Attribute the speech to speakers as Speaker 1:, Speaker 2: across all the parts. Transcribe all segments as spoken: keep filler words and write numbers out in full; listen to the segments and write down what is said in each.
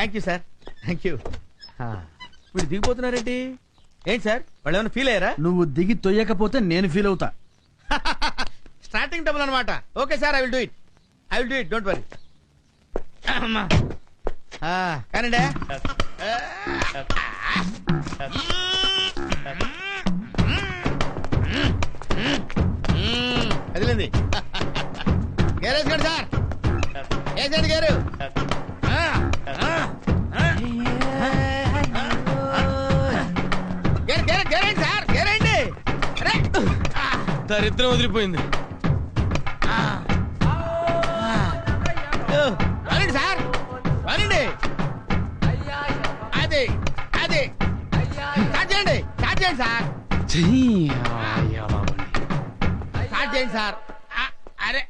Speaker 1: Thank you sir, thank you. వీడు దిగిపోతున్నారేంటి? ఏంటి సార్, వాళ్ళు ఏమైనా ఫీల్ అయ్యారా?
Speaker 2: నువ్వు దిగి తొయ్యకపోతే నేను ఫీల్ అవుతా.
Speaker 1: స్టార్టింగ్ డబుల్ అనమాట. Okay sir, I will do it, I will do it, don't worry. కానండి. అదిలేంది. గేరేసుకోండి సార్, వేసేయండి గేరు. గేరేండి సార్, గేరేండి.
Speaker 3: దరిద్రం వదిలిపోయింది.
Speaker 1: వరండి సార్, వరండి. అది అది స్టార్ట్ చేయండి, స్టార్ట్ చేయండి సార్, స్టార్ట్ చేయండి సార్. అరే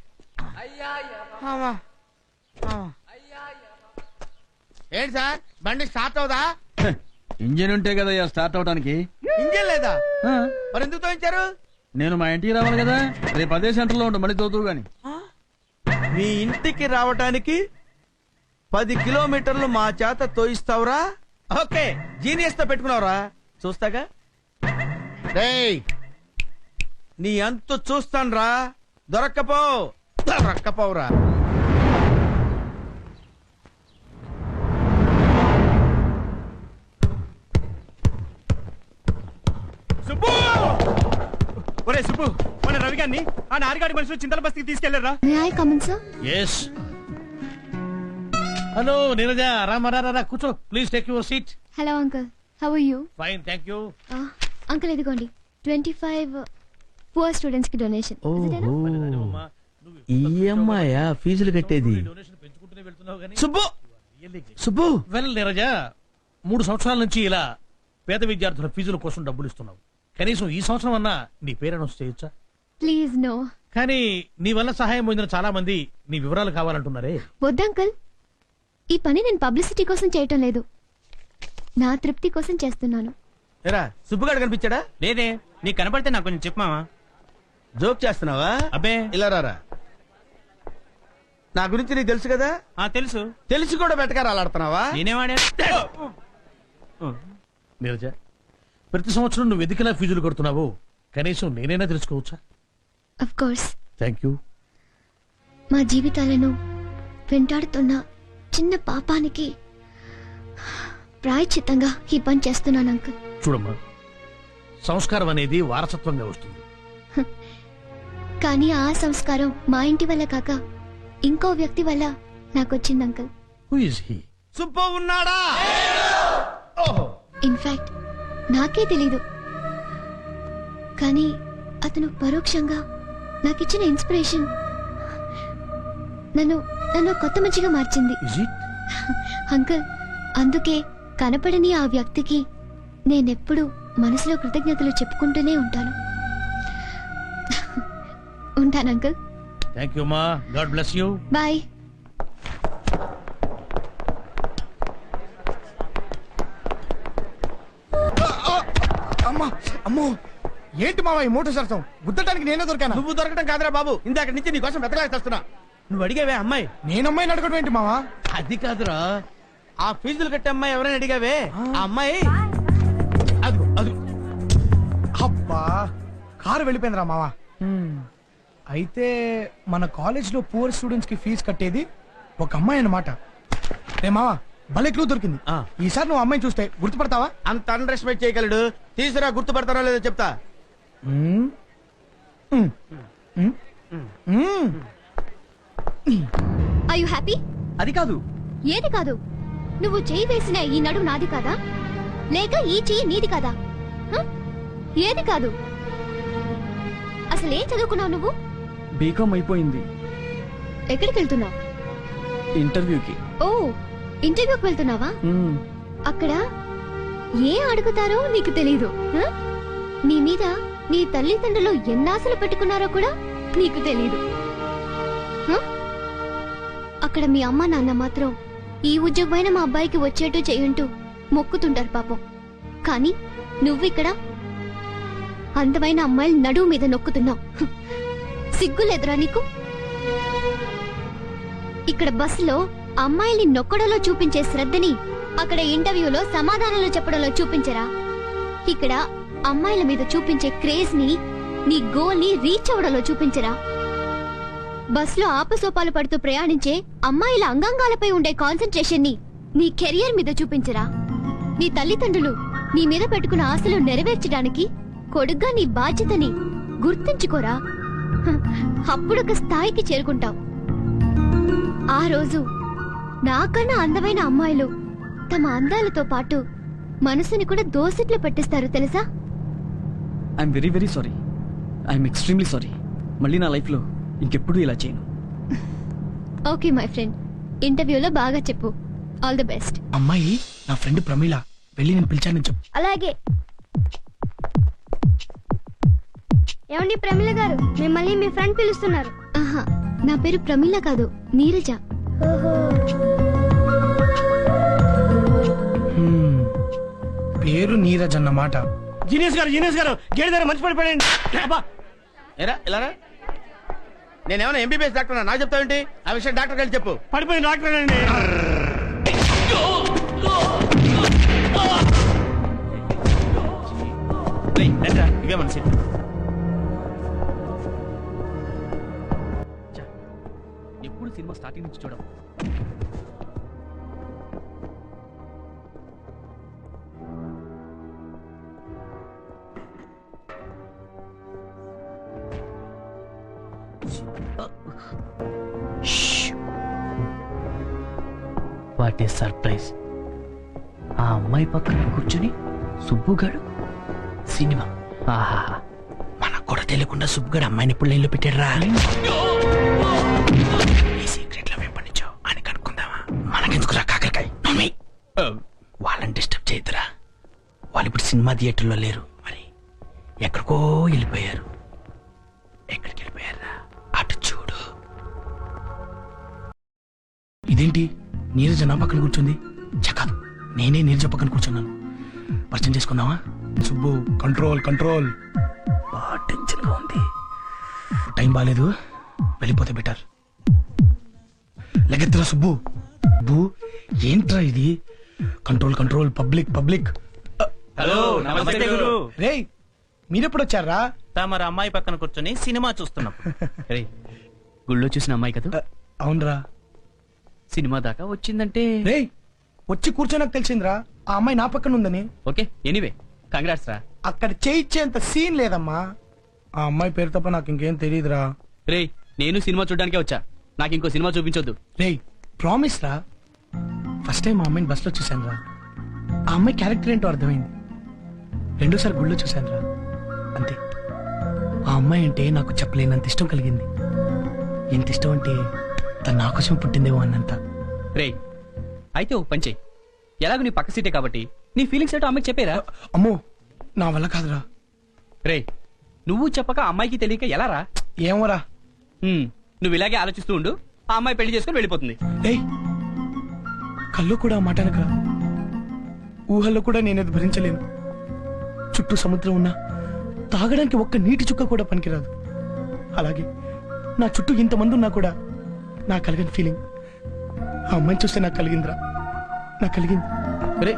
Speaker 1: ఏంటి సార్, బండి స్టార్ట్ అవుదా?
Speaker 2: ఇంజిన్ ఉంటే కదా స్టార్ట్ అవడానికి.
Speaker 1: ఇంజిన్ లేదా? మరి ఎందుకు తోయించారు?
Speaker 2: నేను మా ఇంటికి రావాలి కదా, రేపు అదే సెంటర్ లో ఉండు, మళ్ళీ తోతువు గాని.
Speaker 1: మీ ఇంటికి రావటానికి పది కిలోమీటర్లు మా చేత తోయిస్తావురా? ఓకే, జీనియస్ తో పెట్టుకున్నావురా, చూస్తాగా. రేయ్, నీ అంతు చూస్తాన్రా. దొరక్కపో, దొరక్కపోవురా.
Speaker 3: సుబ్బు, ఒరే సుబ్బు, మన రవి గారిని ఆ నారిగాడి మనుషులు చింతల బస్తీకి తీసుకెళ్లారా?
Speaker 4: ఎస్. హలో నీరజ, రామరా, కూర్చో please, take your seat.
Speaker 5: Hello uncle, how are you?
Speaker 4: Fine, thank you.
Speaker 5: Uncle ఇదిగోండి ట్వంటీ ఫైవ్ పువర్ స్టూడెంట్స్ కి డొనేషన్.
Speaker 1: ఈ అమ్మాయా ఫీజులు కట్టేది? సుబ్బు, సుబ్బు.
Speaker 4: వెల్ నీరజ, మూడు సంవత్సరాల నుంచి ఇలా పేద విద్యార్థుల ఫీజుల కోసం డబ్బులు ఇస్తున్నావు. కనీసం ఈ సంవత్సరం అన్నా నీ పేరు అనౌన్స్ చేయొచ్చా?
Speaker 5: Please no.
Speaker 4: కానీ నీ వల్ల సహాయం పొందిన చాలా మంది నీ వివరాలు కావాలంటున్నారే.
Speaker 5: వద్దు అంకుల్, ఈ పని నేను పబ్లిసిటీ కోసం చేయటం లేదు, నా తృప్తి కోసం చేస్తున్నాను.
Speaker 1: ఎరా, సుబ్బుగాడు కనిపించాడా?
Speaker 3: లేదే, నీకు కనపడితే నాకు కొంచెం చెప్పమావా.
Speaker 1: జోక్ చేస్తున్నావా?
Speaker 3: అబ్బే,
Speaker 1: ఇలా రారా. నా గురించి నీకు తెలుసు కదా?
Speaker 3: ఆ తెలుసు.
Speaker 1: తెలిసి కూడా బెటకారు అలాడుతున్నావా?
Speaker 3: నేనేవాడా?
Speaker 4: నీరజ, ప్రతి సంవత్సరం నువ్వు ఎందుకులా ఫీజులు కడుతున్నావు కనీసం నేనైనా తెలుసుకోవచ్చా?
Speaker 5: Of course.
Speaker 4: Thank you.
Speaker 5: మా జీవితాలను వెంటాడుతున్న చిన్న పాపానికి ప్రాయశ్చిత్తంగా ఈ పని చేస్తున్నాను అంకుల్.
Speaker 4: చూడమ్మా, సంస్కారం అనేది వారసత్వంగా వస్తుంది.
Speaker 5: కానీ ఆ సంస్కారం మా ఇంటి వల్ల కాక ఇంకో వ్యక్తి వల్ల నాకొచ్చింది uncle.
Speaker 4: Who is he?
Speaker 1: Subbu ఉన్నాడా? ఓహో,
Speaker 5: ఇన్ఫాక్ట్ నాకే తెలీదు, కానీ అతను పరోక్షంగా నాకిచ్చిన ఇన్స్పిరేషన్ నన్ను నన్ను కొత్త మంచిగా మార్చింది.
Speaker 4: Is it?
Speaker 5: అంకుల్, అందుకే కనపడని ఆ వ్యక్తికి నేనెప్పుడు మనసులో కృతజ్ఞతలు చెప్పుకుంటూనే ఉంటాను. ఉంటాను అంకుల్.
Speaker 4: థ్యాంక్ యూ మా, గాడ్ బ్లెస్ యూ.
Speaker 5: బాయ్.
Speaker 3: అమ్మా, అమ్మో, ఏంటి మావా ఈ మోటార్ సరసం? గుద్దటానికి నేనే దొరికాను.
Speaker 1: నువ్వు దొరకటం కాదురా బాబు, ఇందాక నుంచి నీ కోసం వెతకలేక వస్తున్నా. నువ్వు అడిగావే అమ్మాయి?
Speaker 3: నేను అమ్మాయిని అడగడం ఏంటి మావా?
Speaker 1: అది కాదురా, ఆ ఫీజులు కట్టే అమ్మాయి ఎవరైనా అడిగావే? ఆ అమ్మాయి అదిగో అదిగో.
Speaker 3: అబ్బా, కారు వెళ్ళిపోయిందిరా మావా. అయితే మన కాలేజ్ లో పూర్ స్టూడెంట్స్ కి ఫీజు కట్టేది ఒక అమ్మాయి అన్నమాట. రే మావా, భలే క్లూ దొరికింది.
Speaker 1: ఆ.
Speaker 3: ఈసారి నువ్వు అమ్మాయిని చూస్తే గుర్తుపడతావా?
Speaker 1: అంత అండర్ ఎస్టిమేట్ చేయగలడు. తీసురా, గుర్తుపడతారో లేదో చెప్తా.
Speaker 3: మ్మ్. మ్మ్. మ్మ్. మ్మ్.
Speaker 5: Are you happy?
Speaker 1: అది కాదు.
Speaker 5: ఏది కాదు? నువ్వు చేయి వేసిన ఈ నడుము నాది కాదా, లేక ఈ చెయ్యి నీది కాదా? హ? ఏది కాదు? అసలు ఏం చదువుకున్నావు నువ్వు?
Speaker 2: బీకామ్ అయిపోయింది.
Speaker 5: ఎక్కడికి వెళ్తున్నావు?
Speaker 2: ఇంటర్వ్యూకి.
Speaker 5: ఓ, ఇంటర్వ్యూకి వెళ్తున్నావా?
Speaker 2: మ్మ్.
Speaker 5: అక్కడ ఏ అడుగుతారో నీకు తెలీదు. హ? నీ మీద నీ తల్లిదండ్రులు ఎన్నాశలు పెట్టుకున్నారో కూడా నీకు తెలీదు. హ? అక్కడ మీ అమ్మ నాన్న మాత్రం ఈ ఉద్యోగమైన మా అబ్బాయికి వచ్చేట్టు చేయంటూ మొక్కుతుంటారు పాపం. కానీ నువ్విక్కడ అందమైన అమ్మాయిలు నడువు మీద నొక్కుతున్నావు. సిగ్గులేదురా నీకు? ఇక్కడ బస్సులో అమ్మాయిల్ని నొక్కడంలో చూపించే శ్రద్ధని అక్కడ ఇంటర్వ్యూలో సమాధానాలు చెప్పడంలో చూపించరా? ఇక్కడ అమ్మాయిల మీద చూపించే క్రేజ్ ని నీ గోల్ ని రీచ్ అవ్వడంలో చూపించరా? బస్ లో ఆపసోపాలు పడుతూ ప్రయాణించే అమ్మాయిల అంగాంగాలపై ఉండే కాన్సన్ట్రేషన్ ని నీ కెరియర్ మీద చూపించరా? నీ తల్లిదండ్రులు నీ మీద పెట్టుకున్న ఆశలు నెరవేర్చడానికి కొడుగ్గా నీ బాధ్యతని గుర్తుంచుకోరా. హ, అప్పుడొక స్థాయికి చేరుకుంటావు. ఆ రోజు నాకన్నా అందమైన అమ్మాయిలు తమ అందాలతో పాటు మనసుని కూడా దోసిట్లో పెట్టిస్తారు తెలుసా?
Speaker 6: I'm very very sorry. I'm extremely sorry. మళ్ళీ నా లైఫ్లో ఇంకెప్పుడు ఇలా చేయను.
Speaker 5: ఓకే మై ఫ్రెండ్, ఇంటర్వ్యూలో బాగా చెప్పు. All the best.
Speaker 3: అమ్మాయి నా ఫ్రెండ్ ప్రమీల, వెళ్ళి నేను పిలిచానని చెప్పు.
Speaker 5: అలాగే. ఏమండి ప్రమీల గారు, మిమ్మల్ని మీ ఫ్రెండ్ పిలుస్తున్నారు. ఆహా, నా పేరు ప్రమీల కాదు, నీరజ.
Speaker 3: హ్మ్, పేరు నీరజ్ అన్నమాట.
Speaker 1: జీనియస్ గారు జీనియస్ గారు గేడి దగ్గర మంచి పడిపోయండి. అబ్బా ఎరా ఇలా నేనేమన్నా ఎంబీబీఎస్ డాక్టర్ నాకు చెప్తావేంటి? ఆ విషయం డాక్టర్ వెళ్ళి చెప్పు. పడిపోయింది డాక్టర్ అండి. ఇవే మన సీట్.
Speaker 6: ఎప్పుడు సినిమా స్టార్టింగ్ నుంచి చూడము.
Speaker 7: What is surprise. ఆ అమ్మాయి పక్కన కూర్చుని సుబ్బుగాడు సినిమా. ఆహా,
Speaker 1: మనకు కూడా తెలియకుండా సుబ్బుగాడు అమ్మాయిని ఇప్పుడు లైన్లో పెట్టాడురా. ఈ సీక్రెట్ లో వెంపడించావు అని కనుక్కుందామా? మనకెందుకురా కాకరకాయ? మమ్మీ, వాళ్ళని డిస్టర్బ్ చేయొద్దురా. వాళ్ళు ఇప్పుడు సినిమా థియేటర్లో లేరు, మరి ఎక్కడికో వెళ్ళిపోయారు. ఎక్కడికి వెళ్ళిపోయారా? అటు చూడు.
Speaker 3: ఇదేంటి నీరజ నా పక్కన కూర్చుంది? చక్కదు, నేనే నీరజ పక్కన కూర్చున్నాను. పరిచయం చేసుకుందామా? Subbu, control control. బాగా టెన్షన్ గా ఉంది. టైం బాగాలేదు, వెళ్ళిపోతే బెటర్. లెగెత్తురా సుబ్బు. బు ఏంట్రా ఇది? Control control. Public public.
Speaker 1: Hello, నమస్తే గురు.
Speaker 3: రేయ్, మీరెప్పుడు వచ్చారా?
Speaker 1: తమరు అమ్మాయి పక్కన కూర్చొని సినిమా చూస్తున్నాం.
Speaker 6: రేయ్, గుళ్ళో చూసిన అమ్మాయి కదా,
Speaker 3: అవునరా.
Speaker 6: సినిమా దాకా వచ్చిందంటే.
Speaker 3: రేయ్, వచ్చి కూర్చోనకు తెలిసిందిరా ఆ అమ్మాయి నా పక్కన ఉందని.
Speaker 6: ఓకే, ఎనీవే కంగ్రాట్స్ రా.
Speaker 3: అక్కడ చేయించేంత సీన్ లేదమ్మా. ఆ అమ్మాయి పేరు తప్ప నాకు ఇంకేం తెలియదురా.
Speaker 6: రేయ్, నేను సినిమా చూడడానికే వచ్చా, నాకు ఇంకో సినిమా చూపించొద్దు.
Speaker 3: రేయ్, ప్రామిస్ రా. ఫస్ట్ టైం ఆ అమ్మాయిని బస్ లో చూశాను రా. ఆ అమ్మాయి క్యారెక్టర్ ఏంటో అర్థమైంది. రెండోసారి గుళ్ళో చూశాను రా, అంతే. ఆ అమ్మాయి అంటే నాకు చెప్పలేనంత ఇష్టం కలిగింది. ఎంత ఇష్టం అంటే తను నా కోసం పుట్టిందేమో అన్నంత.
Speaker 6: రేయ్, అయితే ఓ పంచే, ఎలాగో నీ పక్క సీటే కాబట్టి నీ ఫీలింగ్స్ ఏంటో అమ్మాయికి చెప్పేరా.
Speaker 3: అమ్మో, నా వల్ల కాదురా.
Speaker 6: రేయ్, నువ్వు చెప్పక అమ్మాయికి తెలియక ఎలా రా?
Speaker 3: ఏమోరా.
Speaker 6: హ్మ్, నువ్వు ఇలాగే ఆలోచిస్తూ ఉండు, ఆ అమ్మాయి పెళ్లి చేసుకుని వెళ్ళిపోతుంది.
Speaker 3: రేయ్, కల్లో కూడా ఆ మాట అనకరా. ఊహల్లో కూడా నేనేది భరించలేను. చుట్టూ సముద్రం ఉన్నా తాగడానికి ఒక్క నీటి చుక్క కూడా పనికిరాదు. అలాగే నా చుట్టూ ఇంతమంది ఉన్నా కూడా నా కలిగిన ఫీలింగ్ ఆ అమ్మాయిని చూస్తే నాకు కలిగిందిరా. నాకు కలిగింది.
Speaker 6: రే,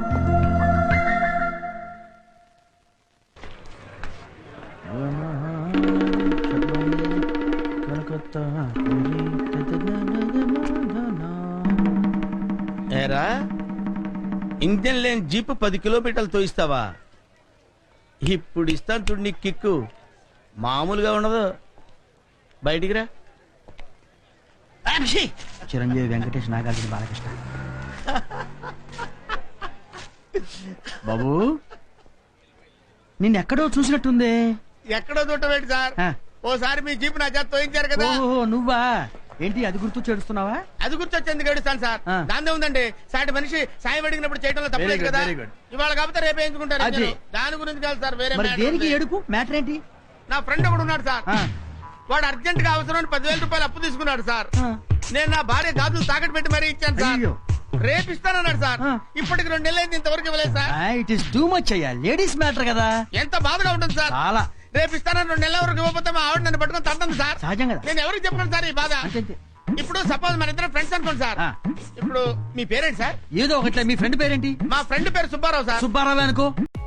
Speaker 1: ఏరా, ఇంజన్ లేని జీప్ పది కిలోమీటర్లు తోయిస్తావా? ఇప్పుడు ఇస్తాను చూడు నీ కిక్కు, మామూలుగా ఉండదు. బయటికి రా.
Speaker 7: చిరంజీవి, వెంకటేష్, నాగార్జున, బాలకృష్ణ. బాబు, నిన్నెక్కడో చూసినట్టుంది.
Speaker 1: ఎక్కడో చూడటం సార్?
Speaker 7: ఆ.
Speaker 1: ఓసారి మీ జీప్ నా చేత తోయించారు కదా.
Speaker 7: ఓహో, నువ్వా? ఏంటి అది గుర్తు చేడుస్తున్నావా?
Speaker 1: అది గుర్తొచ్చేందుకు ఏడుస్తాను సార్.
Speaker 7: ఆ.
Speaker 1: దాందే ఉందండి, సాటి మనిషి సాయం అడిగినప్పుడు చేయడంలో
Speaker 7: Very
Speaker 1: తప్పలేదు
Speaker 7: good,
Speaker 1: కదా.
Speaker 7: very good.
Speaker 1: ఇవాళ కాకపోతే రేపు వేయించుకుంటారు.
Speaker 7: అది.
Speaker 1: ఇంజను. దాని గురించి కాదు సార్, వేరే
Speaker 7: మరి
Speaker 1: matter
Speaker 7: దేనికి
Speaker 1: ఉంది.
Speaker 7: ఏడుపు? మ్యాటర్ ఏంటి?
Speaker 1: నా ఫ్రెండ్ ఒకడు ఉన్నాడు సార్.
Speaker 7: ఆ.
Speaker 1: వాడు అర్జెంట్ గా అవసరం పదివేల రూపాయలు అప్పు తీసుకున్నాడు సార్.
Speaker 7: ఆ.
Speaker 1: నేను నా భార్య గాజులు తాకట్టు పెట్టి మరీ ఇచ్చాను సార్.
Speaker 7: అయ్యో.
Speaker 1: రేపు ఇస్తానన్నాడు సార్.
Speaker 7: ఆ.
Speaker 1: ఇప్పటికి రెండు నెలలైంది, ఇంతవరకు ఇవ్వలేదు sir.
Speaker 7: It is too much అయ్యా, లేడీస్ మ్యాటర్ కదా.
Speaker 1: ఎంత బాధగా ఉంటుంది సార్.
Speaker 7: చాలా
Speaker 1: రేపు ఇస్తానని రెండు నెలల వరకు ఇవ్వకపోతే మా ఆవిడ నన్ను పట్టుకొని తంటుంది సార్.
Speaker 7: సహజం కదా.
Speaker 1: నేను ఎవరికి చెప్పను సార్ ఈ బాధ.
Speaker 7: అంతే అంతే.
Speaker 1: ఇప్పుడు సపోజ్ మన ఇద్దరు ఫ్రెండ్స్ అనుకోండి సార్.
Speaker 7: ఆ.
Speaker 1: ఇప్పుడు మీ పేరేంటి సార్?
Speaker 7: ఏదో ఒకట్లే, మీ ఫ్రెండ్ పేరేంటి?
Speaker 1: మా ఫ్రెండ్ పేరు సుబ్బారావు సార్.
Speaker 7: సుబ్బారావు అనుకో.